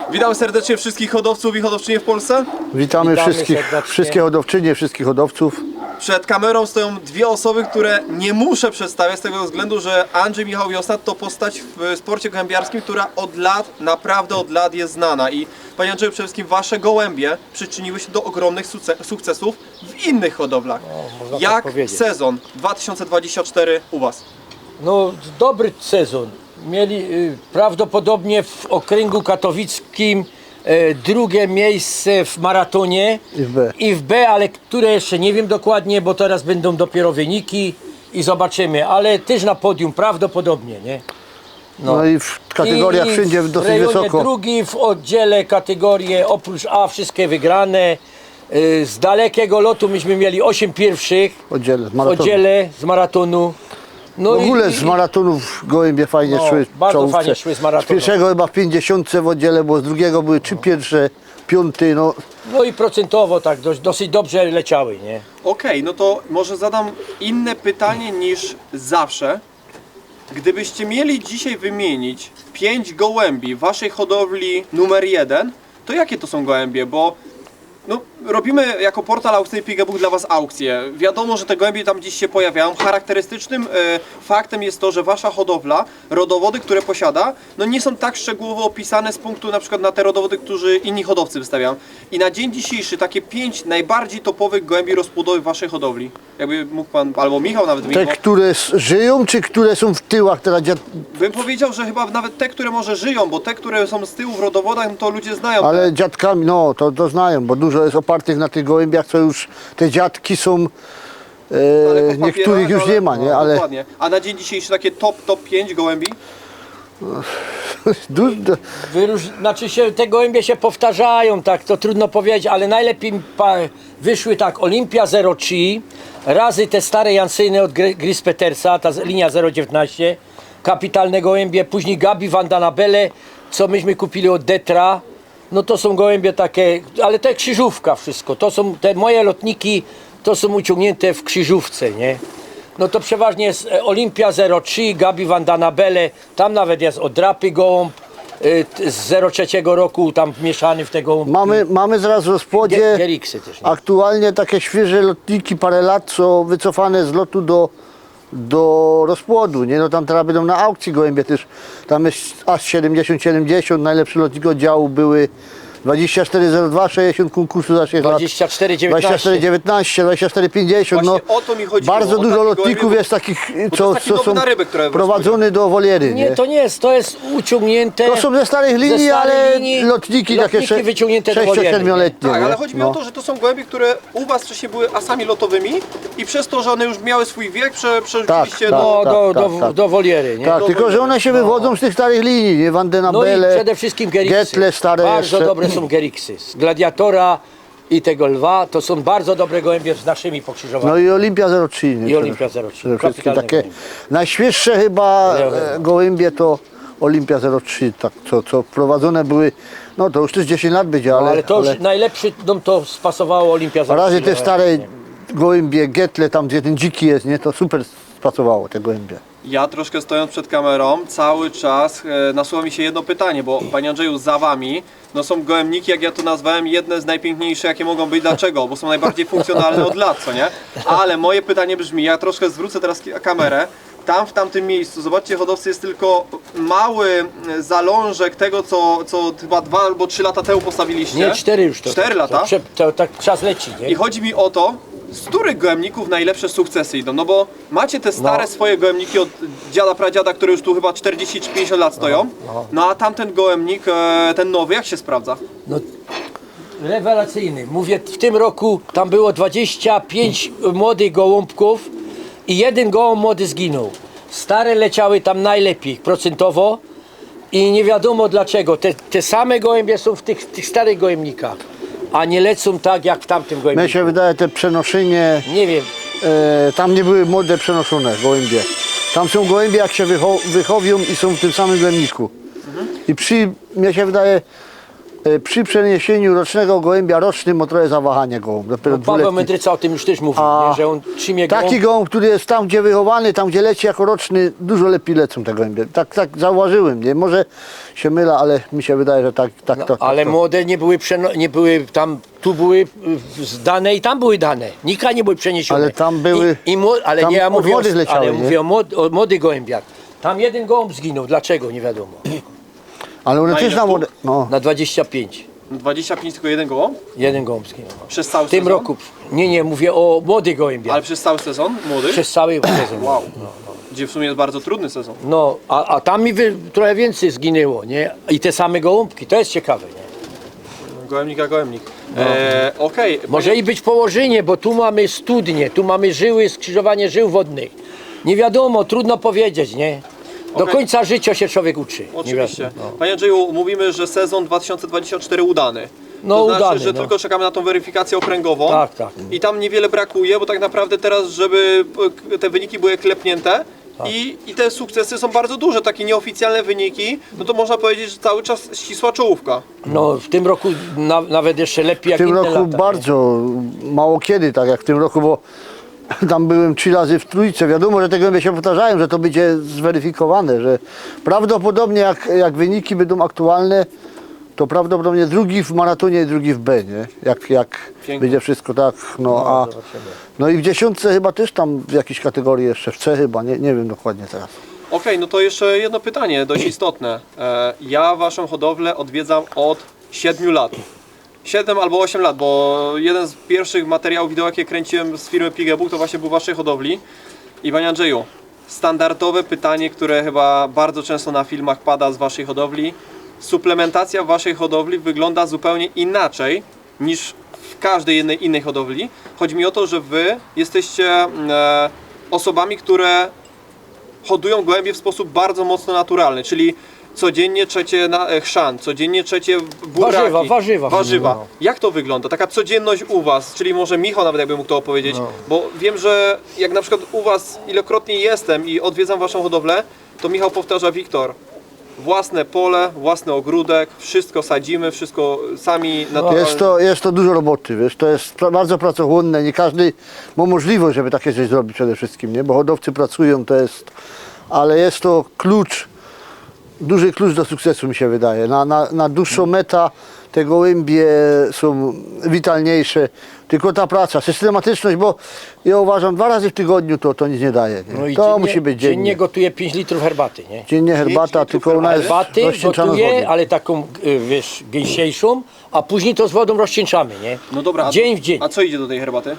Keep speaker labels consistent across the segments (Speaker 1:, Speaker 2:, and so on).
Speaker 1: Witam serdecznie wszystkich hodowców i hodowczynie w Polsce.
Speaker 2: Witamy
Speaker 3: serdecznie.
Speaker 2: wszystkie hodowczynie, wszystkich hodowców.
Speaker 1: Przed kamerą stoją dwie osoby, które nie muszę przedstawiać z tego względu, że Andrzej Michał Wiosna to postać w sporcie gołębiarskim, która od lat, naprawdę od lat jest znana. I panie Andrzeju, przede wszystkim wasze gołębie przyczyniły się do ogromnych sukcesów w innych hodowlach.
Speaker 3: można tak
Speaker 1: Jak
Speaker 3: powiedzieć.
Speaker 1: sezon 2024 u was?
Speaker 3: No, dobry sezon. Mieli prawdopodobnie w okręgu katowickim drugie miejsce w maratonie
Speaker 2: I w B.
Speaker 3: ale które jeszcze nie wiem dokładnie, bo teraz będą dopiero wyniki i zobaczymy, ale też na podium prawdopodobnie, nie?
Speaker 2: No i w kategoriach wszędzie
Speaker 3: w
Speaker 2: dosyć
Speaker 3: rejonie
Speaker 2: wysoko.
Speaker 3: drugi w oddziale kategorie oprócz A wszystkie wygrane. Z dalekiego lotu myśmy mieli 8 pierwszych
Speaker 2: Oddziele, z
Speaker 3: w
Speaker 2: maratonu.
Speaker 3: oddziale z maratonu. No
Speaker 2: W ogóle z maratonów gołębie fajnie
Speaker 3: No,
Speaker 2: szły. w
Speaker 3: bardzo
Speaker 2: czołówce.
Speaker 3: fajnie szły z maratonu.
Speaker 2: Z pierwszego chyba w 50 w oddziale, bo z drugiego były 3 pierwsze, 5, no.
Speaker 3: No i procentowo tak dosyć dobrze leciały, nie?
Speaker 1: Okej, no to może zadam inne pytanie niż zawsze. Gdybyście mieli dzisiaj wymienić 5 gołębi waszej hodowli numer 1, to jakie to są gołębie? Bo no, robimy jako portal aukcyjny Pigabook dla was aukcje. Wiadomo, że te gołębie tam gdzieś się pojawiają. Charakterystycznym faktem jest to, że wasza hodowla, rodowody, które posiada, no nie są tak szczegółowo opisane z punktu na przykład na te rodowody, którzy inni hodowcy wystawiają. I na dzień dzisiejszy takie 5 najbardziej topowych gołębi rozpłodowych waszej hodowli. Jakby mógł pan, albo Michał nawet
Speaker 2: Te,
Speaker 1: wymienił.
Speaker 2: które żyją, czy które są w tyłach teraz?
Speaker 1: Bym powiedział, że chyba nawet te, które może żyją, bo te, które są z tyłu w rodowodach, no to ludzie znają.
Speaker 2: Ale dziadkami, no to znają, bo dużo jest opartych na tych gołębiach, co już te dziadki są,
Speaker 1: Ale po
Speaker 2: niektórych
Speaker 1: papierach,
Speaker 2: już nie ma, nie? Ale
Speaker 1: Dokładnie. A na dzień dzisiejszy takie top 5 gołębi?
Speaker 3: Znaczy się, te gołębie się powtarzają, tak, to trudno powiedzieć, ale najlepiej wyszły tak Olympia 03, razy te stare Jansyny od Gris Petersa, ta linia 019, kapitalne gołębie, później Gabi Vandanabele, co myśmy kupili od Detra. No to są gołębie takie, ale to krzyżówka wszystko, to są te moje lotniki, to są uciągnięte w krzyżówce, nie? No to przeważnie jest Olympia 03, Gabi Vandanabele, tam nawet jest Odrapy gołąb z 03 roku, tam mieszany w te gołąbki.
Speaker 2: mamy zaraz w rozpłodzie
Speaker 3: Geriksy też, nie?
Speaker 2: aktualnie takie świeże lotniki, parę lat, co wycofane z lotu do rozpłodu, nie? No tam teraz będą na aukcji gołębie też. Tam jest aż 70-70, najlepszy lotnik oddziału były 24,02, 60 konkursu za 6 lat.
Speaker 3: 24,19.
Speaker 2: 24,19, 24,50. No,
Speaker 1: Właśnie o to mi chodziło,
Speaker 2: bardzo
Speaker 1: o
Speaker 2: dużo
Speaker 1: takie
Speaker 2: lotników
Speaker 1: gołębie,
Speaker 2: jest takich,
Speaker 1: to
Speaker 2: co,
Speaker 1: jest taki
Speaker 2: co
Speaker 1: dowód
Speaker 2: są
Speaker 1: na rybę, które
Speaker 2: prowadzone do woliery.
Speaker 3: Nie, to nie jest, to jest uciągnięte.
Speaker 2: To są ze starych linii,
Speaker 3: starej
Speaker 2: ale
Speaker 3: linii,
Speaker 2: lotniki takie
Speaker 3: wyciągnięte do woliery.
Speaker 2: 6-7-letnie.
Speaker 1: Tak, ale
Speaker 2: nie?
Speaker 1: chodzi mi
Speaker 2: No.
Speaker 1: o to, że to są gołębie, które u was wcześniej były asami lotowymi i przez to, że one już miały swój wiek, przerzuciliście
Speaker 2: tak.
Speaker 3: Do woliery, nie?
Speaker 2: Tak, tylko że one się wywodzą z tych starych linii, nie?
Speaker 3: No i
Speaker 2: Vandenabele,
Speaker 3: przede wszystkim Geriksy.
Speaker 2: Getle stare
Speaker 3: Bardzo
Speaker 2: jeszcze.
Speaker 3: dobre są Geriksy. Z Gladiatora i tego lwa, to są bardzo dobre gołębie z naszymi pokrzyżowanymi.
Speaker 2: No i Olimpia 03. Nie?
Speaker 3: I Olimpia 03.
Speaker 2: Przede wszystkim
Speaker 3: Kapitalne
Speaker 2: takie
Speaker 3: gołębie.
Speaker 2: najświeższe chyba gołębie to Olimpia 03, tak, co prowadzone były, no to już też 10 lat będzie, ale,
Speaker 3: Ale to już najlepszy, no to spasowało Olimpia 03.
Speaker 2: na razie te stare
Speaker 3: Nie.
Speaker 2: gołębie Getle, tam gdzie ten dziki jest, nie, to super spasowało te gołębie.
Speaker 1: Ja troszkę stojąc przed kamerą, cały czas nasuwa mi się jedno pytanie, bo panie Andrzeju, za wami no są gołębniki, jak ja to nazwałem, jedne z najpiękniejszych, jakie mogą być. Dlaczego? Bo są najbardziej funkcjonalne od lat, co nie? Ale moje pytanie brzmi, ja troszkę zwrócę teraz kamerę. Tam w tamtym miejscu, zobaczcie, hodowcy, jest tylko mały zalążek tego, co chyba 2 albo 3 lata temu postawiliście.
Speaker 3: Nie, 4 już to.
Speaker 1: 4 lata?
Speaker 3: To tak czas leci, nie?
Speaker 1: I chodzi mi o to, z których gołębników najlepsze sukcesy idą? No bo macie te stare swoje gołębniki od dziada, pradziada, które już tu chyba 40 czy 50 lat stoją. No a tamten gołębnik, ten nowy, jak się sprawdza?
Speaker 3: No, rewelacyjny. Mówię, w tym roku tam było 25 młodych gołąbków i jeden gołąb młody zginął. Stare leciały tam najlepiej procentowo i nie wiadomo dlaczego. Te same gołębie są w tych starych gołębnikach, a nie lecą tak jak w tamtym
Speaker 2: Mnie
Speaker 3: gołębniku.
Speaker 2: się wydaje te przenoszenie,
Speaker 3: Nie wiem.
Speaker 2: tam nie były młode przenoszone gołębie. Tam są gołębie, jak się wychowią i są w tym samym gołębniku. I mnie się wydaje, przy przeniesieniu rocznego gołębia rocznym o trochę zawahanie gołąb. Dopiero
Speaker 3: No, Paweł
Speaker 2: dwuletni.
Speaker 3: Mędryca o tym już też mówił,
Speaker 2: A
Speaker 3: nie, że on trzymie go.
Speaker 2: Taki gołąb, który jest tam, gdzie wychowany, tam, gdzie leci jako roczny, dużo lepiej lecą te gołębie. Tak zauważyłem, nie? Może się mylę, ale mi się wydaje, że tak to.
Speaker 3: Ale młode nie były tam, tu były zdane i tam były dane. Nika nie były przeniesione.
Speaker 2: Ale tam były-
Speaker 3: ale
Speaker 2: tam
Speaker 3: nie, ja
Speaker 2: od
Speaker 3: mówię,
Speaker 2: młodych leciały,
Speaker 3: ale
Speaker 2: nie?
Speaker 3: mówię o młodych gołębiach. Tam jeden gołąb zginął, dlaczego? Nie wiadomo.
Speaker 2: Ale one
Speaker 1: Na
Speaker 2: też
Speaker 1: ile
Speaker 2: na
Speaker 1: sztuk?
Speaker 2: młode. No.
Speaker 3: Na 25.
Speaker 1: 25 tylko jeden gołąb?
Speaker 3: Jeden gołąb zginął.
Speaker 1: Przez cały
Speaker 3: W tym
Speaker 1: sezon?
Speaker 3: roku. Nie, mówię o młodych gołębiach.
Speaker 1: Ale przez cały sezon? Młody?
Speaker 3: Przez cały sezon.
Speaker 1: Wow. Gdzie w sumie jest bardzo trudny sezon.
Speaker 3: No, a tam mi trochę więcej zginęło, nie? I te same gołąbki, to jest ciekawe, nie?
Speaker 1: Gołębnik a gołębnik. Okej.
Speaker 3: Może i być położenie, bo tu mamy studnie, tu mamy żyły, skrzyżowanie żył wodnych. Nie wiadomo, trudno powiedzieć, nie? Do
Speaker 1: Okej.
Speaker 3: końca życia się człowiek uczy. Nie
Speaker 1: Oczywiście.
Speaker 3: wiadomo, no.
Speaker 1: Panie Andrzeju, mówimy, że sezon 2024 udany.
Speaker 3: No,
Speaker 1: to znaczy,
Speaker 3: udany,
Speaker 1: że
Speaker 3: no.
Speaker 1: tylko czekamy na tą weryfikację okręgową.
Speaker 3: Tak, tak.
Speaker 1: I tam niewiele brakuje, bo tak naprawdę teraz, żeby te wyniki były klepnięte
Speaker 3: Tak.
Speaker 1: i te sukcesy są bardzo duże, takie nieoficjalne wyniki, no to można powiedzieć, że cały czas ścisła czołówka.
Speaker 3: No, w tym roku nawet jeszcze lepiej
Speaker 2: W
Speaker 3: jak
Speaker 2: tym
Speaker 3: inne
Speaker 2: roku
Speaker 3: lata.
Speaker 2: bardzo mało kiedy, tak jak w tym roku, bo tam byłem 3 razy w trójce. Wiadomo, że te gołębie się powtarzają, że to będzie zweryfikowane, że prawdopodobnie jak wyniki będą aktualne, to prawdopodobnie drugi w maratonie i drugi w B, nie? Jak
Speaker 1: Pięknie.
Speaker 2: będzie wszystko tak, no i w dziesiątce chyba też tam w jakiejś kategorii jeszcze, w C chyba, nie wiem dokładnie teraz.
Speaker 1: Okej, no to jeszcze jedno pytanie, dość istotne. Ja waszą hodowlę odwiedzam od 7 lat. 7 albo 8 lat, bo jeden z pierwszych materiałów wideo, jakie kręciłem z firmy Pigebook, to właśnie był w waszej hodowli. I panie Andrzeju, standardowe pytanie, które chyba bardzo często na filmach pada z waszej hodowli. Suplementacja w waszej hodowli wygląda zupełnie inaczej niż w każdej jednej innej hodowli. Chodzi mi o to, że wy jesteście osobami, które hodują gołębie w sposób bardzo mocno naturalny, czyli codziennie trzecie chrzan, codziennie trzecie buraki.
Speaker 3: Warzywa. No.
Speaker 1: Jak to wygląda? Taka codzienność u was, czyli może Michał nawet jakby mógł to opowiedzieć,
Speaker 3: No.
Speaker 1: bo wiem, że jak na przykład u was ilekrootnie jestem i odwiedzam waszą hodowlę, to Michał powtarza: Wiktor, własne pole, własny ogródek, wszystko sadzimy, wszystko sami naturalnie.
Speaker 2: Jest to dużo roboty, wiesz, to jest bardzo pracochłonne, nie każdy ma możliwość, żeby takie coś zrobić przede wszystkim, nie? Bo hodowcy pracują, ale jest to duży klucz do sukcesu, mi się wydaje. Na dłuższą metę te gołębie są witalniejsze, tylko ta praca, systematyczność, bo ja uważam, 2 razy w tygodniu to nic nie daje. Nie?
Speaker 3: No i
Speaker 2: To musi być
Speaker 3: dziennie
Speaker 2: dziennie.
Speaker 3: gotuję 5 litrów herbaty, nie?
Speaker 2: Dziennie herbata,
Speaker 1: litrów
Speaker 2: tylko ona jest
Speaker 3: Herbaty
Speaker 2: rozcieńczana z wody.
Speaker 3: gotuję, ale taką, wiesz, gęsiejszą, a później to z wodą rozcieńczamy, nie?
Speaker 1: No dobra,
Speaker 3: Dzień w dzień.
Speaker 1: A co idzie do tej herbaty?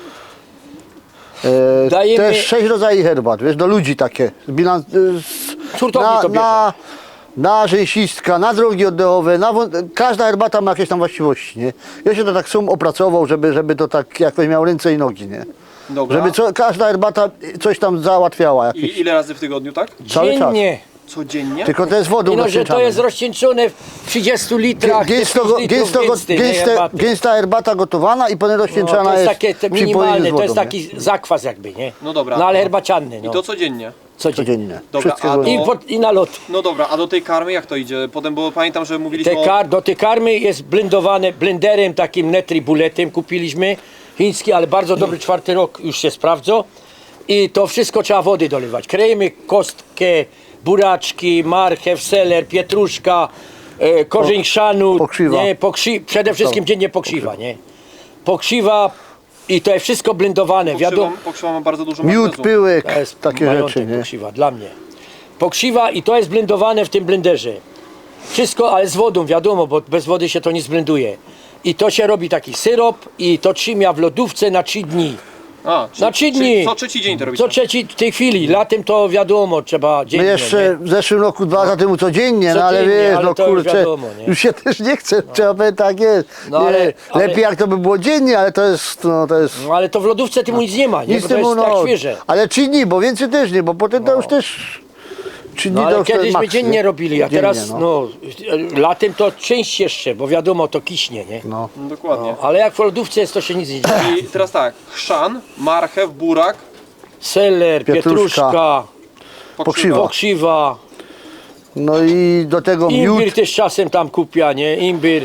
Speaker 3: Dajemy-
Speaker 2: Też 6 rodzajów herbat, wiesz, do ludzi takie.
Speaker 3: Hurtowni to bierze.
Speaker 2: Na rzęsistka, na drogi oddechowe, każda herbata ma jakieś tam właściwości, nie? Ja się to tak opracował, żeby to tak jakoś miało ręce i nogi, nie?
Speaker 1: Dobra.
Speaker 2: Żeby każda herbata coś tam załatwiała. Jakieś.
Speaker 1: I ile razy w tygodniu, tak?
Speaker 2: Cały czas.
Speaker 3: Dziennie.
Speaker 1: Codziennie?
Speaker 2: Tylko to jest wodą
Speaker 3: I no, że to
Speaker 2: rozcieńczane.
Speaker 3: jest rozcieńczone w 30 litrach, te 5 litrów herbaty.
Speaker 2: Gęsta herbata gotowana i potem
Speaker 3: No,
Speaker 2: rozcieńczana
Speaker 3: to jest
Speaker 2: jest
Speaker 3: takie te
Speaker 2: przy pojeniu
Speaker 3: minimalne,
Speaker 2: z wodą,
Speaker 3: to jest
Speaker 2: nie?
Speaker 3: taki zakwas jakby, nie?
Speaker 1: No dobra.
Speaker 3: No ale herbacianny, no.
Speaker 1: I to codziennie.
Speaker 3: Codziennie.
Speaker 1: Dobra,
Speaker 2: Wszystkie
Speaker 1: a
Speaker 2: złote.
Speaker 3: I na lot.
Speaker 1: No dobra, a do tej karmy jak to idzie? Potem, bo pamiętam, że mówiliśmy
Speaker 3: Do tej karmy jest blendowane blenderem takim Netribuletem kupiliśmy, chiński, ale bardzo dobry, 4. rok już się sprawdza. I to wszystko trzeba wody dolewać. Krejemy kostkę, buraczki, marchew, seler, pietruszka, korzeń chrzanu,
Speaker 2: pokrzywa.
Speaker 3: nie, przede wszystkim dziennie pokrzywa, nie? Pokrzywa i to jest wszystko blendowane, wiadomo.
Speaker 1: pokrzywa ma bardzo dużo
Speaker 2: Miód,
Speaker 1: magnezu.
Speaker 2: pyłek,
Speaker 3: To jest
Speaker 2: takie
Speaker 3: majątek
Speaker 2: rzeczy, nie?
Speaker 3: pokrzywa, dla mnie. Pokrzywa i to jest blendowane w tym blenderze. Wszystko, ale z wodą, wiadomo, bo bez wody się to nie zblenduje. I to się robi taki syrop i to trzyma w lodówce na 3 dni.
Speaker 1: A,
Speaker 3: Na 3 dni.
Speaker 1: Co trzeci dzień to robicie?
Speaker 3: Co trzeci w tej chwili, latem to wiadomo, trzeba dziennie.
Speaker 2: My jeszcze w zeszłym roku, 2 lata temu codziennie, no ale
Speaker 3: Codziennie,
Speaker 2: wiesz,
Speaker 3: ale
Speaker 2: no
Speaker 3: to już
Speaker 2: kurczę,
Speaker 3: wiadomo, nie?
Speaker 2: już się też nie chce, trzeba powiedzieć, tak jest.
Speaker 3: No,
Speaker 2: Nie,
Speaker 3: ale-
Speaker 2: lepiej jak to by było dziennie, ale to jest,
Speaker 3: No ale to w lodówce temu nic nie ma, nie?
Speaker 2: nic
Speaker 3: Bo to
Speaker 2: temu,
Speaker 3: jest tak
Speaker 2: no,
Speaker 3: świeże.
Speaker 2: ale 3 dni, bo więcej też nie, bo potem to już też 3 dni
Speaker 3: No
Speaker 2: to
Speaker 3: ale
Speaker 2: już to
Speaker 3: kiedyś my
Speaker 2: maks,
Speaker 3: dziennie
Speaker 2: nie?
Speaker 3: robili, a
Speaker 2: Dziennie,
Speaker 3: teraz no, latem to częściej jeszcze, bo wiadomo, to kiśnie, nie?
Speaker 2: No.
Speaker 1: No, dokładnie.
Speaker 3: Ale jak w lodówce jest, to się nic nie dzieje.
Speaker 1: I teraz tak, chrzan, marchew, burak,
Speaker 3: Seler,
Speaker 2: Pietruszka.
Speaker 3: pietruszka,
Speaker 2: Pokrzywa.
Speaker 3: pokrzywa,
Speaker 2: No i do tego
Speaker 3: imbir
Speaker 2: miód,
Speaker 3: też czasem tam kupia, nie? Imbir.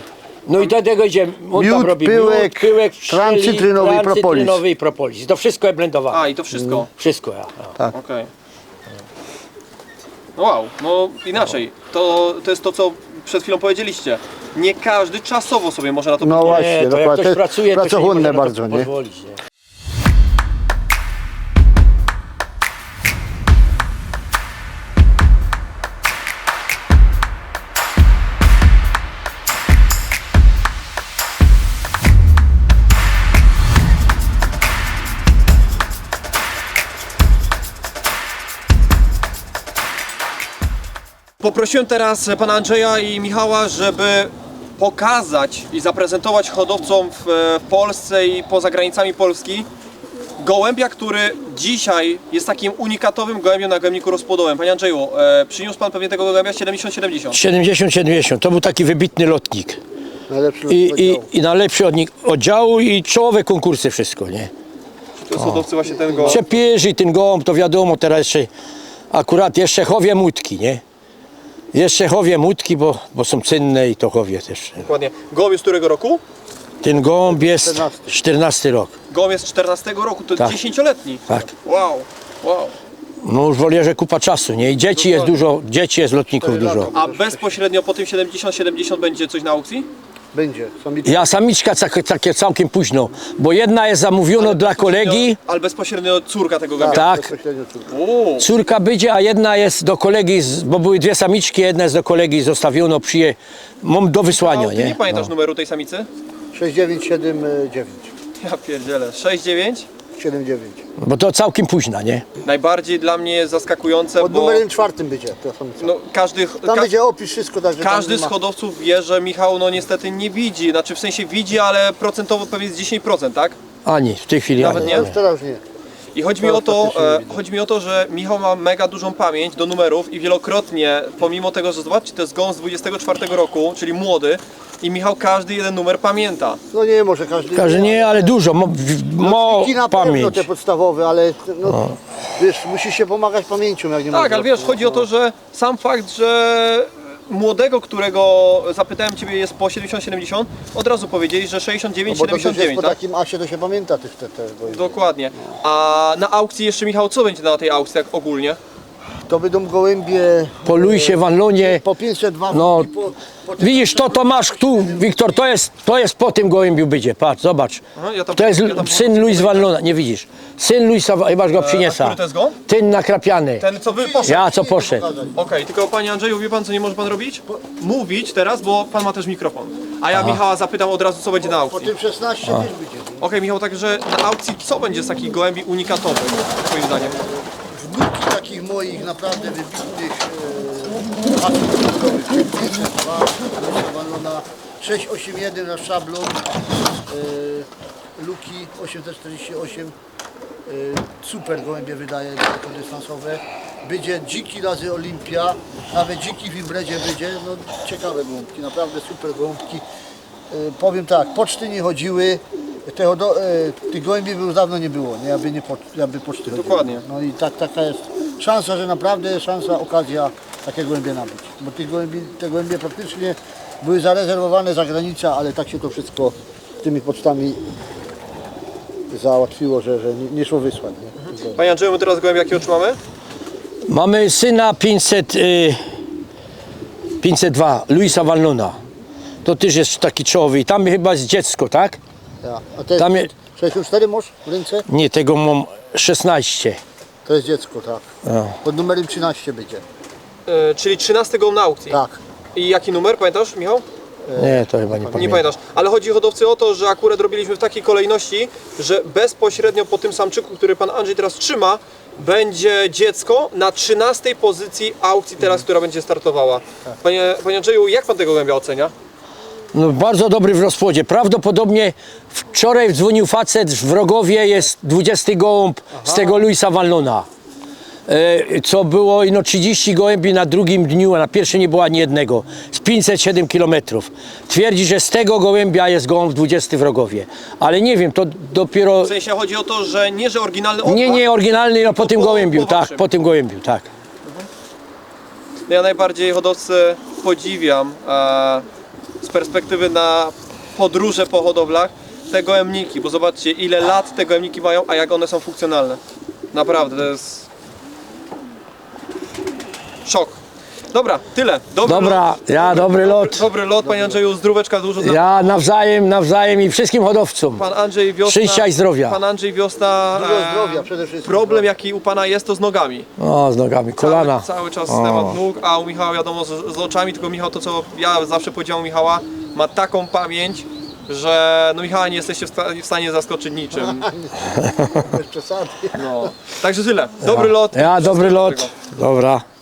Speaker 3: No i do tego idzie, on tam
Speaker 2: Miód,
Speaker 3: robi
Speaker 2: pyłek,
Speaker 3: pyłek
Speaker 2: tran cytrynowy i propolis.
Speaker 3: cytrynowy i propolis. To wszystko jest blendowane.
Speaker 1: A, i to wszystko.
Speaker 3: Wszystko, ja.
Speaker 2: Tak.
Speaker 1: Okej. No wow, no inaczej. To jest to, co przed chwilą powiedzieliście. Nie każdy czasowo sobie może na to
Speaker 2: No
Speaker 1: pozwolić.
Speaker 2: właśnie,
Speaker 3: Nie, to jak
Speaker 2: dokładnie.
Speaker 3: ktoś pracuje, to się nie
Speaker 2: pracochłonne
Speaker 3: może na to
Speaker 2: bardzo, nie?
Speaker 3: pozwolić, nie?
Speaker 1: Poprosiłem teraz pana Andrzeja i Michała, żeby pokazać i zaprezentować hodowcom w Polsce i poza granicami Polski gołębia, który dzisiaj jest takim unikatowym gołębiem na gołębniku rozpłodowym. Panie Andrzeju, przyniósł pan pewnie tego gołębia 70-70.
Speaker 3: 70-70, to był taki wybitny lotnik.
Speaker 2: Najlepszy
Speaker 3: I najlepszy od nich oddziału i czołowe konkursy, wszystko, nie?
Speaker 1: To jest hodowcy właśnie ten gołąb.
Speaker 3: Przepierzy ten gołąb, to wiadomo, teraz jeszcze akurat jeszcze chowie mutki, nie? Jeszcze chowie mutki, bo są cenne i to chowie też.
Speaker 1: Dokładnie. Gołąb jest z którego roku?
Speaker 3: Ten gołąb jest
Speaker 2: 14.
Speaker 3: 14 rok,
Speaker 1: Gołąb jest z 14 roku, to
Speaker 3: Tak.
Speaker 1: 10-letni.
Speaker 3: tak.
Speaker 1: Wow, wow.
Speaker 3: No już wolę, że kupa czasu, nie? I dzieci jest dużo, dzieci jest lotników dużo.
Speaker 1: A bezpośrednio po tym 70-70 będzie coś na aukcji?
Speaker 2: Będzie.
Speaker 3: Ja samiczka takie całkiem późno, bo jedna jest zamówiona dla kolegi,
Speaker 1: Ale bezpośrednio córka tego gołębia.
Speaker 3: tak.
Speaker 2: Bezpośrednio córka.
Speaker 1: Uuu.
Speaker 3: Córka będzie, a jedna jest do kolegi, bo były dwie samiczki, jedna jest do kolegi zostawiono, mam do wysłania,
Speaker 1: Ty nie
Speaker 3: nie?
Speaker 1: pamiętasz numeru tej samicy?
Speaker 2: 6979.
Speaker 1: Ja pierdzielę. 6-9?
Speaker 2: 79.
Speaker 3: Bo to całkiem późna, nie?
Speaker 1: Najbardziej dla mnie jest zaskakujące,
Speaker 2: Pod
Speaker 1: bo
Speaker 2: numerem 4 będzie. To samica.
Speaker 1: no, każdy,
Speaker 2: Tam będzie opis wszystko, także tam
Speaker 1: każdy
Speaker 2: nie
Speaker 1: z
Speaker 2: ma-
Speaker 1: hodowców wie, że Michał no niestety nie widzi. Znaczy w sensie widzi, ale procentowo pewnie jest 10%, tak?
Speaker 3: Ani, w tej chwili
Speaker 1: Nawet
Speaker 3: ani.
Speaker 1: nie?
Speaker 2: Już teraz nie.
Speaker 1: I chodzi mi,
Speaker 2: To
Speaker 1: o to,
Speaker 2: faktycznie nie widzę.
Speaker 1: chodzi mi o to, że Michał ma mega dużą pamięć do numerów i wielokrotnie, pomimo tego, że zobaczcie, to jest gąs z 24 roku, czyli młody, i Michał każdy jeden numer pamięta.
Speaker 2: No nie, może każdy.
Speaker 3: Każe nie, ale dużo,
Speaker 2: Kwiki na pewno
Speaker 3: pamięć.
Speaker 2: te podstawowe, ale no, wiesz, musisz się pomagać pamięcią, jak nie
Speaker 1: Tak,
Speaker 2: możesz.
Speaker 1: ale wiesz, chodzi o to, że sam fakt, że młodego, którego zapytałem Ciebie jest po 70-70, od razu powiedzieli, że
Speaker 2: No bo to też jest
Speaker 1: 69-79,
Speaker 2: po
Speaker 1: tak?
Speaker 2: takim asie, to się pamięta tych bo
Speaker 1: Dokładnie. A na aukcji jeszcze, Michał, co będzie na tej aukcji tak ogólnie?
Speaker 2: to będą gołębie
Speaker 3: Po Luisie, Wanlonie,
Speaker 2: po 502
Speaker 3: no
Speaker 2: i po tym-
Speaker 3: widzisz, to masz tu, Wiktor, to jest po tym gołębiu będzie, patrz, zobacz.
Speaker 1: Aha, ja tam-
Speaker 3: To jest
Speaker 1: ja tam-
Speaker 3: syn Luis Wanlona, nie widzisz. Syn Luisa, chyba go
Speaker 1: A
Speaker 3: przyniesa.
Speaker 1: który to jest gołąb?
Speaker 3: Ten nakrapiany.
Speaker 1: Ten, co wy poszedł.
Speaker 3: Ja co poszedł.
Speaker 1: Okej, tylko Panie Andrzeju, wie Pan, co nie może Pan robić? Mówić teraz, bo Pan ma też mikrofon. A ja Michała zapytam od razu, co będzie na
Speaker 2: Po
Speaker 1: aukcji.
Speaker 2: tym 16 też będzie.
Speaker 1: Okej, Michał, także na aukcji co będzie z takich gołębi unikatowych, Twoim zdaniem?
Speaker 2: Wnuki takich moich naprawdę wybitnych asów sportowych, 502, Walona 681 na szablon, Luki 848, super gołębie wydaje dystansowe. Będzie dziki razy Olimpia, nawet dziki w Imbredzie będzie, no ciekawe gołąbki, naprawdę super gołąbki. Powiem tak, poczty nie chodziły, tych gołębi już dawno nie było, nie? Aby poczty chodziły.
Speaker 1: Dokładnie.
Speaker 2: No i taka jest szansa, że naprawdę okazja takie gołębie nabyć. Bo te gołębie praktycznie były zarezerwowane za granicą, ale tak się to wszystko tymi pocztami załatwiło, że nie szło wysłać. Nie?
Speaker 1: Panie Andrzeju, my teraz gołębia jakie otrzymamy?
Speaker 3: Mamy syna 502, Luisa Wanlona. To też jest taki czołowy i tam chyba jest dziecko, tak?
Speaker 2: Ja. A te
Speaker 3: Tam je-
Speaker 2: 64 masz w ręce?
Speaker 3: Nie, tego mam 16.
Speaker 2: To jest dziecko, tak.
Speaker 3: No.
Speaker 2: Pod numerem 13 będzie.
Speaker 1: Czyli 13 gołąb na aukcji.
Speaker 2: Tak.
Speaker 1: I jaki numer, pamiętasz, Michał?
Speaker 3: Nie, to chyba nie
Speaker 1: Nie
Speaker 3: pamiętam.
Speaker 1: pamiętasz. Ale chodzi hodowcy o to, że akurat robiliśmy w takiej kolejności, że bezpośrednio po tym samczyku, który Pan Andrzej teraz trzyma, będzie dziecko na 13 pozycji aukcji teraz, która będzie startowała. Panie Andrzeju, jak Pan tego gołębia ocenia?
Speaker 3: No, bardzo dobry w rozpłodzie. Prawdopodobnie wczoraj dzwonił facet w Wrogowie, jest 20 gołąb z tego Luisa Wanlona. Co było 30 gołębi na drugim dniu, a na pierwszym nie było ani jednego. Z 507 km. Twierdzi, że z tego gołębia jest gołąb 20 w Rogowie. Ale nie wiem, to dopiero...
Speaker 1: W sensie chodzi o to, że nie, że oryginalny odpad.
Speaker 3: Nie oryginalny, no po tym
Speaker 1: po
Speaker 3: gołębiu, tak,
Speaker 1: waszym.
Speaker 3: po tym gołębiu, tak.
Speaker 1: Ja najbardziej hodowcę podziwiam, z perspektywy na podróże po hodowlach te gołębniki, bo zobaczcie ile lat te gołębniki mają, a jak one są funkcjonalne. Naprawdę, to jest szok. Dobra, tyle.
Speaker 3: Dobra, dobry lot.
Speaker 1: Dobry lot, panie Andrzeju, zdróweczka dużo.
Speaker 3: Ja nawzajem i wszystkim hodowcom.
Speaker 1: Pan Andrzej Wiosna.
Speaker 3: Szczęścia i zdrowia.
Speaker 1: Pan Andrzej Wiosna.
Speaker 2: Dużo zdrowia przede wszystkim.
Speaker 1: Problem jaki u pana jest, to z nogami.
Speaker 3: O, z nogami, kolana.
Speaker 1: Cały czas temat nóg, a u Michała wiadomo z oczami, tylko Michał to co ja zawsze powiedziałem u Michała, ma taką pamięć, że no Michała nie jesteście w stanie zaskoczyć niczym.
Speaker 2: Bez przesady.
Speaker 1: No. Także tyle. Dobry lot.
Speaker 3: Dobry lot. Dobra.